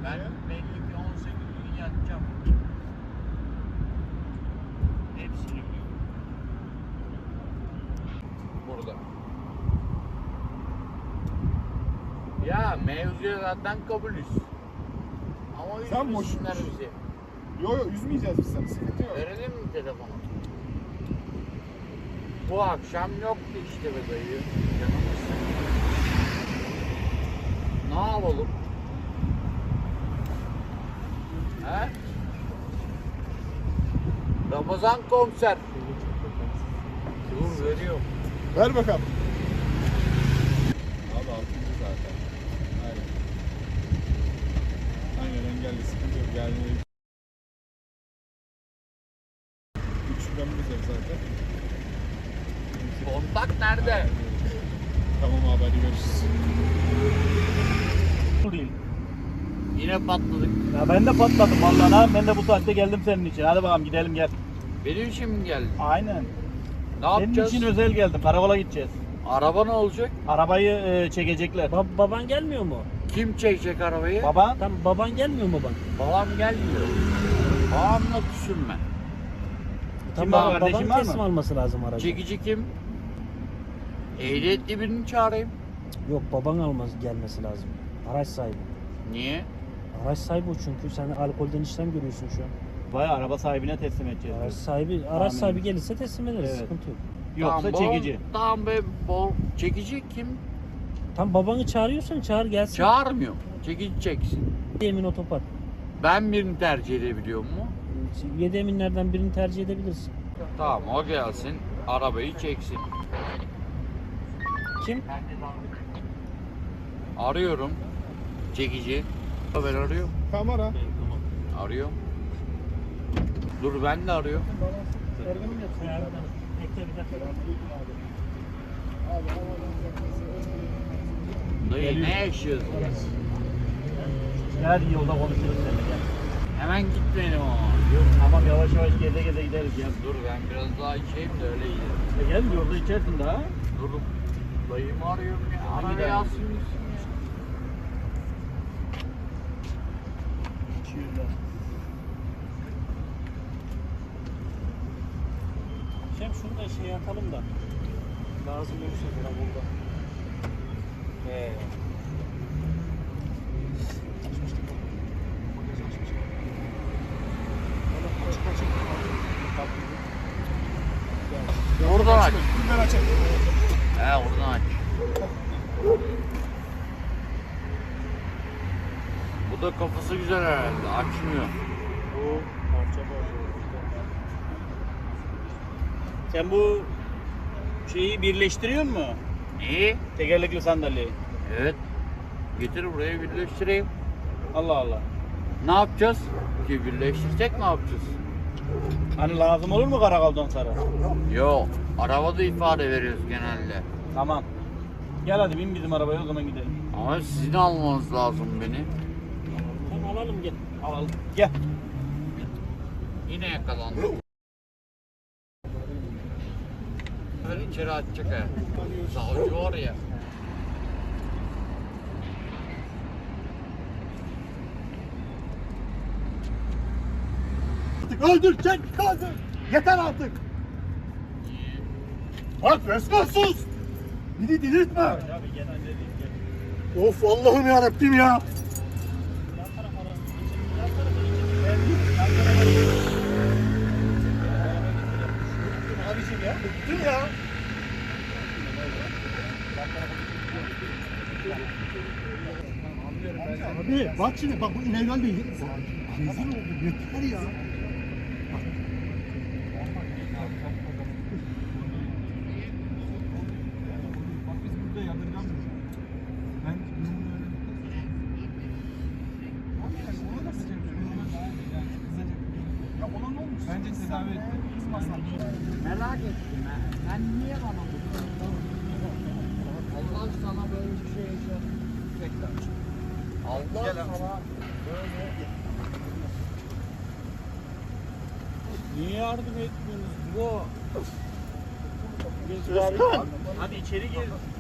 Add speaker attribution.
Speaker 1: Ben belli ki 18 gün yatacağım. Hepsini biliyorum. Burada. Ya mevzuya zaten kabulüz. Ama
Speaker 2: Sen
Speaker 1: üzmesinler
Speaker 2: boş-
Speaker 1: bizi.
Speaker 2: Yo üzmeyeceğiz biz seni. Sıkıntı yok.
Speaker 1: Verelim mi telefonu? Bu akşam yoktu işte be dayı. Canımızsın. Ne yapalım? He? Ramazan konser. Dur veriyorum.
Speaker 2: Ver bakalım. Abi 6. zaten. Aynen. Aynen engelli sıkıntı yok. Yani 3 şubemiz var zaten.
Speaker 1: Kontak nerede?
Speaker 2: Tamam abi hadi görüşürüz.
Speaker 3: Bu değil.
Speaker 1: Yine patladık.
Speaker 3: Ya ben de patladım vallahi ha. Ben de bu saatte geldim senin için. Hadi bakalım gidelim gel.
Speaker 1: Benim için mi geldin?
Speaker 3: Aynen.
Speaker 1: Ne
Speaker 3: Senin
Speaker 1: yapacağız?
Speaker 3: için özel geldim. Karakola gideceğiz.
Speaker 1: Araba ne olacak?
Speaker 3: Arabayı çekecekler.
Speaker 4: Baban gelmiyor mu?
Speaker 1: Kim çekecek arabayı?
Speaker 3: Baba
Speaker 4: Tam baban gelmiyor mu baban?
Speaker 1: Babam gelmiyor. Babamla küsüm ben.
Speaker 3: Kim
Speaker 4: Tamam,
Speaker 3: var, kardeşin
Speaker 4: baban
Speaker 3: var mı?
Speaker 4: teslim alması lazım aracı.
Speaker 1: Çekici kim? Ehliyetli birini çağırayım.
Speaker 4: Yok baban gelmesi lazım. Araç sahibi.
Speaker 1: Niye?
Speaker 4: Araç sahibi o çünkü. Sen alkolden işlem görüyorsun şu an.
Speaker 3: Vay araba sahibine teslim edeceğiz.
Speaker 4: Araç
Speaker 3: Amin.
Speaker 4: sahibi gelirse teslim ederiz.
Speaker 3: Evet.
Speaker 4: Sıkıntı yok.
Speaker 3: Yoksa
Speaker 1: Tamam,
Speaker 3: çekici.
Speaker 1: Tamam be çekici kim?
Speaker 4: Tam babanı çağırıyorsan çağır gelsin.
Speaker 1: Çağırmıyor. Çekici çeksin.
Speaker 4: Emin otopark.
Speaker 1: Ben birini tercih edebiliyor mu?
Speaker 4: 7 eminlerden birini tercih edebilirsin.
Speaker 1: Tamam o gelsin. Arabayı çeksin.
Speaker 4: Kim?
Speaker 1: Arıyorum. Çekici. Ben arıyorum.
Speaker 2: Kamera.
Speaker 1: Arıyorum. Dur ben de arıyorum. Dayı
Speaker 3: Geliyor.
Speaker 1: ne yaşıyorsun?
Speaker 3: Gel yolda konuşuruz seninle gel.
Speaker 1: Hemen gitmeyelim ama.
Speaker 3: Yok tamam yavaş yavaş geze geze gideriz gel.
Speaker 1: Dur ben biraz daha içeyim de öyle gidelim.
Speaker 3: Gel yolda içersin daha.
Speaker 1: Dur. Dayımı arıyorum ya.
Speaker 3: Hangi
Speaker 1: Arayı
Speaker 3: dayı?
Speaker 1: alsın gitsin.
Speaker 4: Şem şunu da şey atalım da. Lazım olursa falan burada.
Speaker 1: Oradan aç.
Speaker 2: Ben açayım.
Speaker 1: He oradan aç. Bu da kafası güzel herhalde. Açmıyor.
Speaker 4: Bu parça parça.
Speaker 3: Sen bu şeyi birleştiriyor mu?
Speaker 1: Neyi?
Speaker 3: Tekerlekli sandalyeyi.
Speaker 1: Evet. Getir buraya birleştireyim.
Speaker 3: Allah Allah.
Speaker 1: Ne yapacağız? Ki birleştirsek ne yapacağız?
Speaker 3: Hani lazım olur mu karakoldan sonra?
Speaker 1: Yok. Arabada ifade veriyoruz genelde.
Speaker 3: Tamam. Gel hadi bin bizim arabaya o zaman gidelim.
Speaker 1: Ama sizin almanız lazım beni.
Speaker 4: Tamam alalım gel.
Speaker 3: Alalım. Gel.
Speaker 1: Yine yakalandım. Böyle içeri atacak ha. Savcı var ya.
Speaker 2: Öldür çek kaldır. Yeter artık. Bak resmen sus. Beni delirtme.
Speaker 3: Abi gel hadi gel.
Speaker 2: Of Allah'ım yarabbim ya. Abicim ya bıktım ya. Abi bak şimdi bak bu inegal değil. Rezil oldum yeter ya. Bak biz burada yadırgamıyoruz. Ben ya ona ne olmuş? Bence tedavi etti.
Speaker 1: Merak ettim ben. Sen niye bana bu? Allah sana böyle bir şey yaşatacak. Allah sana böyle...
Speaker 3: Niye yardım etmiyorsunuz? Bu.
Speaker 2: Özkan!
Speaker 3: Hadi içeri gir.